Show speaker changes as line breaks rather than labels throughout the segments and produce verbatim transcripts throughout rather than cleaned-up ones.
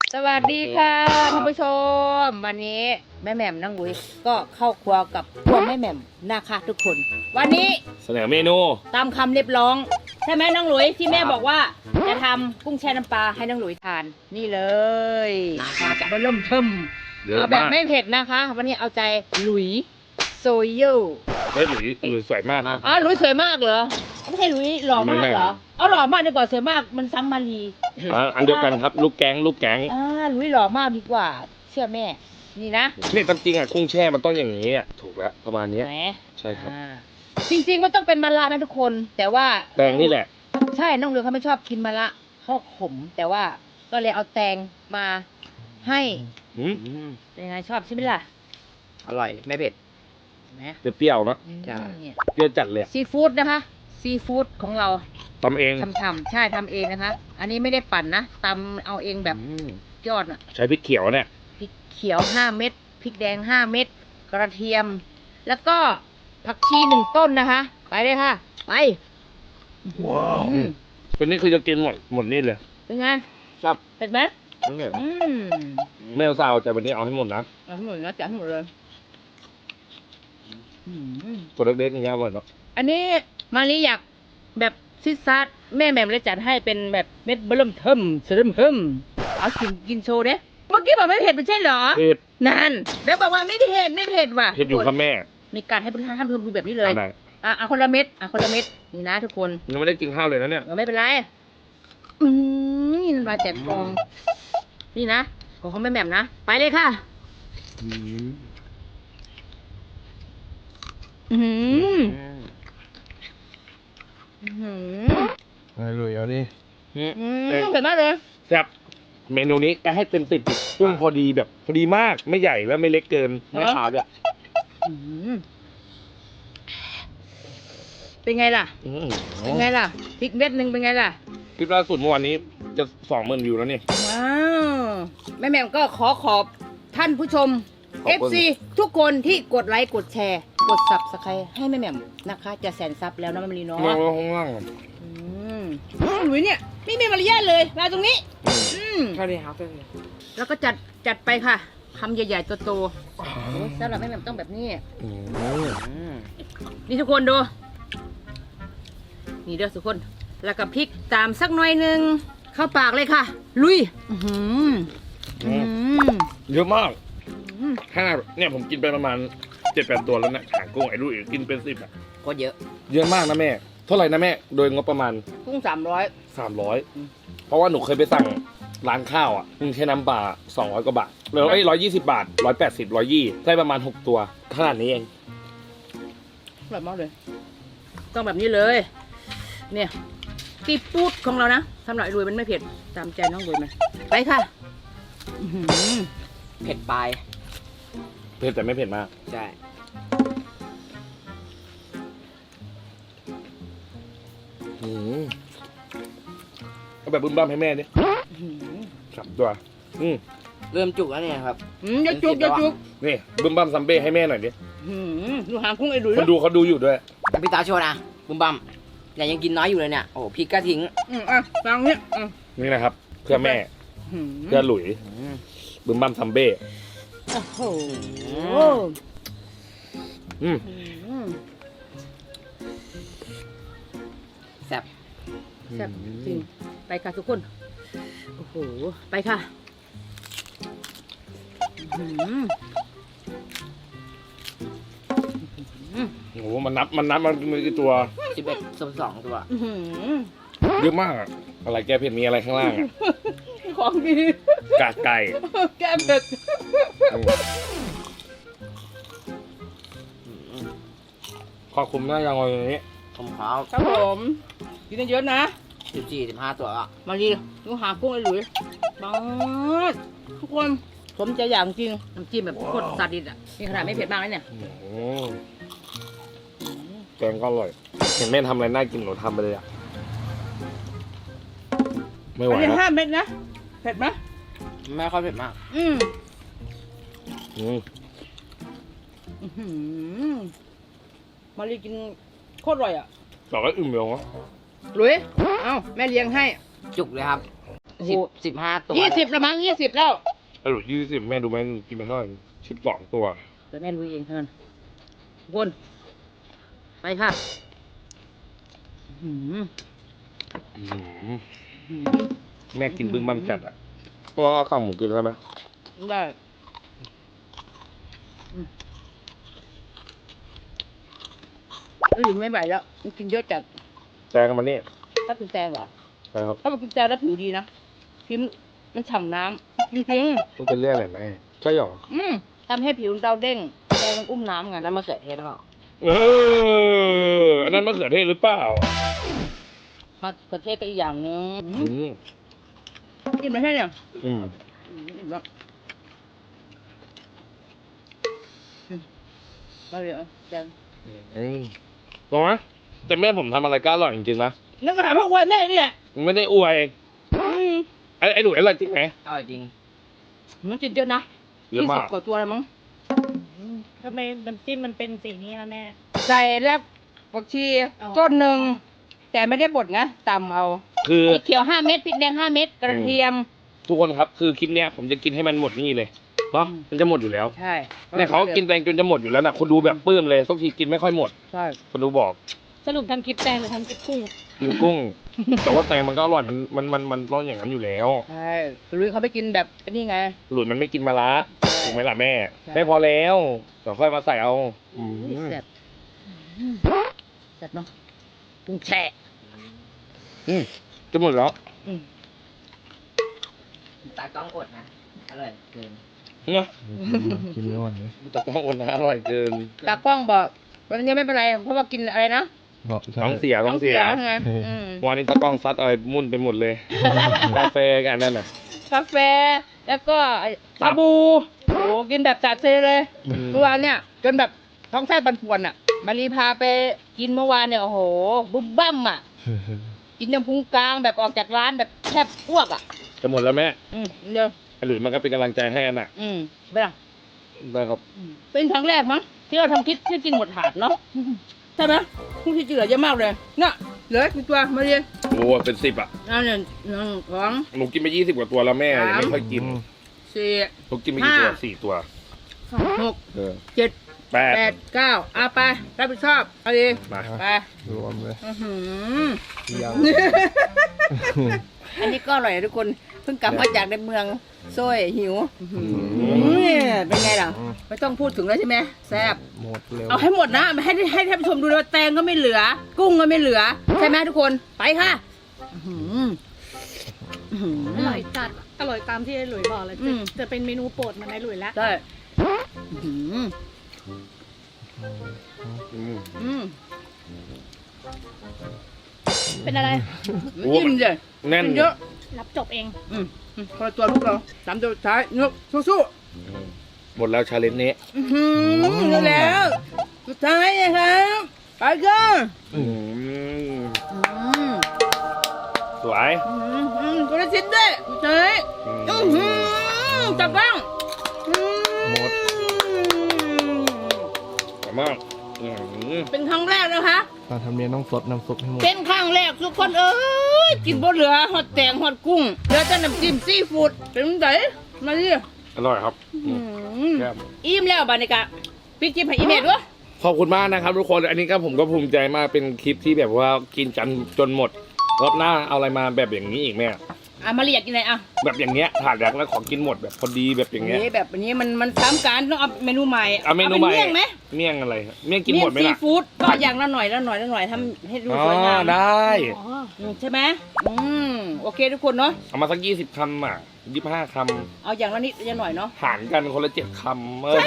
สวัสดีค่ะท่านผู้ชมวันนี้แม่แหม่มน้องหลุยก็เข้าครัวกับพวกแม่แหม่มนะคะทุกคนวันนี้
เสนอเมนู
ตามคำเรียบร้องใช่ไหมน้องหลุยที่แม่บอกว่าจะทำกุ้งแช่น้ำปลาให้น้องหลุยทานนี่เลยบะเริ่มเทิมเอาแบบไม่เผ็ดนะคะวันนี้เอาใจหลุยโซโย่
เฮ้ยหลุยหลุยสวยมากนะ
อ๋อหลุยสวยมากเหรอไม่ใช่หลุยหล่อมากเหรอเอาหล่อมากดีกว่าสวยมากมันซ้ำมารี
อันเดียวกันครับลูกแก๊งลูกแก๊ง
อ่าหลุยหล่อมากดีกว่าเชื่อแม่นี่นะ
นี่ตามจริงอ่ะกุ้งแช่มันต้องอย่างนี้อ่ะถูกแล้วประมาณนี้ใช่ครับ
จริงๆมันต้องเป็นมะระนะทุกคนแต่ว่า
แตงนี่แหละ
ใช่น้องเรือเขาไม่ชอบกินมะระเขาขมแต่ว่าก็เลยเอาแตงมาให้เป็นไงชอบใช่ไหมล่ะ
อร่อยไม่เผ็ด
นะ
เปรี้ยวๆเนาะ
ใช่
เปรี้ยวจัดเลย
ซีฟู้ดนะคะซีฟู้ดของเรา
ทำเอง
ทำๆใช่ทำเองนะคะอันนี้ไม่ได้ปั่นนะตำเอาเองแบบยอดอ่ะ
ใช้พริกเขียวเนี่ย
พริกเขียวห้าเม็ดพริกแดงห้าเม็ดกระเทียมแล้วก็ผักชีหนึ่งต้นนะคะไปเลยค่ะไป
ว้าววันนี้คือจะกินหมดหมดนี่เลย
เป็นไง
ครับ
เผ็ดไหม
ไม่เอาซาวแต่วันนี้เอาให้หมดนะ
เอาให้หมดนะจัดให้หมดเลย
ตัวเล็กๆอย่างเงี้ยหมดเนาะ
อันนี้มาลีอยากแบบซิดซัดแม่แหม่มเลยจัดให้เป็นแบบเม็ดเบิ่มเทิมเสริมเทิมเอากินกินโชว์เด้เมื่อกี้บอกไม่เผ็ดไม่ใช่เหรอ
เผ็ด
นั่นแล้วบอกว่าไม่เผ็ดไม่เผ็ดว่ะ
เผ็ดอยู่ครับแม่
มีการให้ท่านเพิ่มดูแบบนี้เลยอ่ะอ่ะคนละเม็ดอ่ะคนละเม็ดนี่นะทุกคน
ยังไม่ได้กินข้าวเลยนะเนี่ย
ไม่เป็นไรอืมนี่มาแจกฟองนี่นะของเขาแม่แหม่มนะไปเลยค่ะอืมอืม
อะไรเลยเอาดิ
เผ็ดมากเลย
แซ่บเมนูนี้ก็ให้เต็มติดเครื่องพอดีแบบพอดีมากไม่ใหญ่และไม่เล็กเกินไม่ขาวด้วย
เป็นไงล่ะเป็นไงล่ะพริกเม็ดหนึ่งเป็นไงล่ะ
คลิปล่าสุดเมื่อวานนี้จะสองหมื่นวิวแล้วนี่
ว้าวแม่แหม่มก็ขอขอบท่านผู้ชม เอฟ ซี ทุกคนที่กดไลค์กดแชร์กดซับสไครต์ให้แม่แหม่มนะคะจะแสนซับแล้วนะแม่มลีเนาะ
มองข้างล่าง
อืมหลุยเนี่ยไม่มีมารยาทเลยมาตรงนี้อืม
ใช่เลยครับ
แล้วก็จัดจัดไปค่ะคำใหญ่ๆโตๆสำหรับแม่แหม่มต้องแบบนี้นี่ทุกคนดูนี่เด้อทุกคนแล้วก็พริกตามสักหน่อยหนึ่งเข้าปากเลยค่ะลุย
เยอะมากห้าเนี่ยผมกินไปประมาณเจ็ดแปดตัวแล้วนะหางกุ้งไอ้ลุยกินเป็นสิบอ่ะ
ก็เยอะ
เยอะมากนะแม่เท่าไหร่นะแม่โดยงบประมาณ
กุ้งสามร้อย
สามร้อยเพราะว่าหนูเคยไปสั่งร้านข้าวอ่ะกุ้งแช่น้ำปลาสองร้อยกว่าบาทเหลือไอ้ร้อยยี่สิบบาทร้อยแปดสิบร้อยยี่ได้ประมาณหกตัวขนาดนี้เอง
แบบมากเลยต้องแบบนี้เลยเนี่ยซีฟู้ดของเรานะสำหรับรวยมันไม่เผ็ดตามใจน้องรวยไหมไปค่ะ
เผ็ดปลาย
เผ็ดแต่ไม่เผ็ดมาก
ใช่
เอาแบบบึ้มบ้ามให้แม่ดิสับตัวอืม
เริ่มจุกแล้วเนี่ยครับ
อืมอย่าจุกอย่าจุก
นี่บึ้มบ้ามซัมเบ้ให้แม่หน่อยดิ
ดูหางกุ้งไอ้ดุย
คนดูเขาดูอยู่ด้วย
พี่ตาโชว์นะบึ้มบ้ามเนี่ยยังกินน้อยอยู่เลยเนี่ยโอ้พริกก็ทิ้ง
อืมอ่ะฟังเนี่ย
นี่นะครับเพื่อแม่เพื่อหลุยบึ้มบ้ามซัมเบ้
โอ้โห
อืม
แซ่บ
แซ่บจริงไปค่ะทุกคนโอ้โหไปค่ะ
โอ้โหมันนับมันนับมันมีกี่ตัว
สิบเอ็ดสิบสองตัว
เยอะมากอะไรแกเผ็ดมีอะไรข้างล่างอ่ะ
ของดี
กากไก่
แกเผ็ด
ขอบคุณมากยังวันนี้
ผมขาว
ครับผมกินเยอะนะ
สิบสี่สิบห้าตัวอ่ะ
มาดีดูหากุ้งไอ้หลุยบ้าทุกคนผมจะอย่างจริงน้ำจิ้มแบบโคตรซาดิสอ่ะนี่ขนาดไม่เผ็ดมากเลยเนี่ย
แกงก็อร่อยเห็นแม่ทำอะไรน่ากินหนูทำไปเลยอ่ะไม่ไหวแล้ว
ห้าเม็ดนะเผ็ดไหม
ไม่ค่อยเผ็ดมาก
อืม
อืม
มาลีกินโคตรอร่อยอ่ะ
ต่อก็อิ่มเลยวะ
ลุยเอ้าแม่เลี้ยงให้
จุกเลยครับสิบสิบห้าตัว
ยี่สิบละมั้งยี่สิบแล้ว
สรุปยี่สิบแม่ดูไหมกินไปเท่าไหร่สิบสองตัว
เดี๋ยวแม่ลุยเองเท่านั้นวนไปค่ะอื้อหือ
อื้อหือ
อื้อ
แม่กินบึ้งบั้มจัดอ่ะก็เอาข้าวหมูกินได้ไหม
หือได้อืมเอ้ยไม่ไหวแล้วมันกินเยอะจัด
แตงกันมานี่
ถ้าเป็นแตงเหรอ
ใช่ครับ
ถ้าเป็นกุญแจแล้วผิวดีนะผิวมันฉ่ำน้ำจริง
มันเป็นเรื่องอะไรไหมใช่หรอ
ๆอืมทำให้ผิวเราเด้งแดงมันอุ้มน้ำไง
แล้วมะเขือเทศหรือเปล่า
เอออันนั้นมะเขือเทศหรือเปล่า
มาประเทศก็อีกอย่างหนึง
อืม
กินไม่ใช่เนี่ย
อืม
อืมอิ่มแล้วอืมมาเลยเอาแดง
เฮ้ย
ลองไหมแต่แม่ผมทำอะไรก็อร่อยจริงๆนะ
นั่นก็ถามพวกวันแน่นี่แหละ
ไม่ได้อวย
อืม
ไอ้ไอ้หนูอร่อยจริงไหม
อร่อยจริง
มันกินเยอะนะ
เยอะ
ยี่
มา
สิบ
ก
กว่าตัวเลยมั้ง
ทำไมน้ำจิ้มมันเป็นสีนี้ล่ะแม่
ใส่แล้วผักชี
อ๋อ
ต้นหนึ่งแต่ไม่ได้บดนะตำเอา
คือ
พริกเขียวห้าเม็ดพริกแดงห้าเม็ดกระเทียม
ทุกคนครับคือคลิปเนี้ยผมจะกินให้มันหมดนี่เลยเนาะมันจะหมดอยู่แล้ว
ใช่
เนี่ยเขากินแตงจนจะหมดอยู่แล้วนะคนดูแบบปลื้มเลยทุกทีกินไม่ค่อยหมด
ใช่
คนดูบอก
สรุปทำคลิปแตงหรือทำคลิปกุ้ง
กินกุ้ง แต่ว่าแตงมันก็อร่อยมันมันมันมันร้อนอย่างนั้นอยู่แล้ว
ใช่ลุยเขาไปกินแบบนี่ไง
หลุดมันไม่กินมะระถูกไหมล่ะแม่
ใช่
ไม่พอแล้วเดี๋ยวค่อยมาใส่เอาอืม
แซ่บแซ่บเนาะกุ้งแช่
อืมจะหมดแล้ว
อืม
ตากล้องอดนะ อร่อยเกิน
เนาะ
กินไม่ไหวเลย
แต่ต้องคนนะอร่อยเกิน
ตากล้องบอกวันนี้ไม่เป็นไรเพราะว่ากินอะไรนะ
บอก
ท้องเสียท้องเสีย
ไงอืม
วันนี้ตากล้องซัดอะไรมุ่นไปหมดเลยกาแฟกันนั่นน่ะ
กาแฟแล้วก็ไอ้ชาบูโอ้กินแบบจัดเซเลย เมื่อวานเนี่ยจนแบบท้องแส้ปันป่วนอ่ะ มารีพาไปกินเมื่อวานเนี่ยโอ้โหบุ้มบั้มอ่ะ กินน้ำพุงกลางแบบออกจากร้านแบบแทบอ้วกอ่ะ
จะหมดแล้วแม่
อืมเดี๋ยว
ไอ้หลุยมันก็เป็นกำลังใจให้กันน่ะ
อืมไปละ
ได้ครับ
อืมเป็นครั้งแรกมั้งที่เราทำคลิปที่กินหมดถาดเนาะใช่ไหมผู้ที่เหลือเยอะมากเลยเนี่ยเหลือกี่ตัวมาเรียน
โอ้เป็นสิบอ่ะ
เอาเนี่ยหนึ่งสอง
หนูกินไปยี่สิบกว่าตัวแล้วแม่ยังไม่ค่อยกิน
สี่
หนูกินไปกี่ตัว
ห้า
สี่ตัว
หก
เออ
เจ็ด
แปด
แปดเก้าเอาไปรับผิดชอบเอาดี
มา
ไป
รวมเลย
อื้อหือ
ยาว
อันนี้ก็อร่อยนะทุกคนเพิ่งกลับมาจากในเมืองโซ่ยหิวอื้อหือเป็นไงล่ะ ไม่ต้องพูดถึงแล้วใช่ไหมแซ่บ
หมดเร็ว
เอาให้หมดนะให้ให้ท่านผู้ชมดูเลยว่าแตงก็ไม่เหลือ กุ้งก็ไม่เหลือ ใช่ไหมทุกคนไปค่ะอื้อหืออื้อหื
อร่อยจัด อร่อยตามที่ไอ้หลุยบอกเลย
อื
จะ
ม
จะเป็นเมนูโปรดเหมันไอ้หลุยแล้ว
ใช่อื้อหือ
อืม
อืม
เป็นอะไร
โอ้
จิ้มเลย
แน่น
กิเยอะ
รับจบเอง
อืมอืมคนละตัวลูกเราสามตัวสุดท้ายยกสู้
อืมหมดแล้วชาเลนจ์นี้
ๆอื้อหือได้แล้วสุดท้ายนะครับไปกัน
อืม
อืม
สวย
อืมอืมคนละชิ้นด้วยสุดท้าย
อืม
อื้อหือจับบ้างอื
หมด สวยมากอืม
เป็นครั้งแรกนะคะ
ตอนทำเนียนต้องสดน้ำซุปให้หมด
เป็นครั้งแรกทุกคนเอ้ยกินบ่เหลือหอดแตงหอดกุ้งเหลือแต่น้ำจิ้มซีฟู้ดเป็นไงมาดิ
อร่อยครับอื
อื
ม
ม
แซ่บ
อิ่มแล้วบานิกะพี่จิ้มให้อีเมดด้วย
ขอบคุณมากนะครับทุกคน อันนี้ก็ผมก็ภูมิใจมาก เป็นคลิปที่แบบว่ากินกันจนหมด รอบหน้าเอาอะไรมาแบบอย่างนี้อีกแม่
อ่ะมาเรียกกินอะไรอ่ะ
แบบอย่างเงี้ยถาดแรกแล้วขอกินหมดแบบพอดีแบบอย่างเงี้ย
นี่แบบนี้มันมันซ้ำกันต้องเอาเมนูใหม่
เอาเมนูใหม่
ป็เมี่ยงไหม
เมี่ยงอะไรครับเมี่ยงกินหมดไหม
เมี่ยง
ล่ะ
ซีฟู้ดก็อย่างละหน่อยละหน่อยละหน่อยทำให้ดู
อ๋อ
สวยงาม
ได้
อ๋อ
อืมใช่ไหมอืมโอเคทุกคนเนาะ
เอามาสักยี่สิบคำอ่ะยี่สิบห้าค
เอาอย่างละนิดอย่างหน่อยเนาะ
ำหารกันคนละเจ็ดคำเออ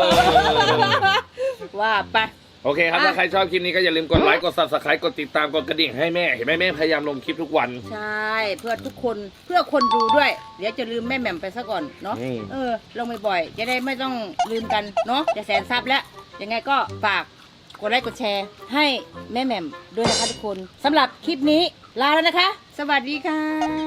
ว่าไป
โอเคครับ
อ่ะ
ถ้าใครชอบคลิปนี้ก็อย่าลืมกดไลค์ กด subscribe กดติดตาม กดกระดิ่งให้แม่ เห็นไหมแม่พยายามลงคลิปทุกวัน
ใช่ เพื่อทุกคนเพื่อคนดูด้วย เดี๋ยวจะลืมแม่แหม่มไปซะก่อนเนาะ
อืม
เออลงบ่อยๆจะได้ไม่ต้องลืมกันเนาะจะแสนซับแล้วยังไงก็ฝากกดไลค์กดแชร์ให้แม่แหม่มด้วยนะคะทุกคนสำหรับคลิปนี้ลาแล้วนะคะ สวัสดีค่ะ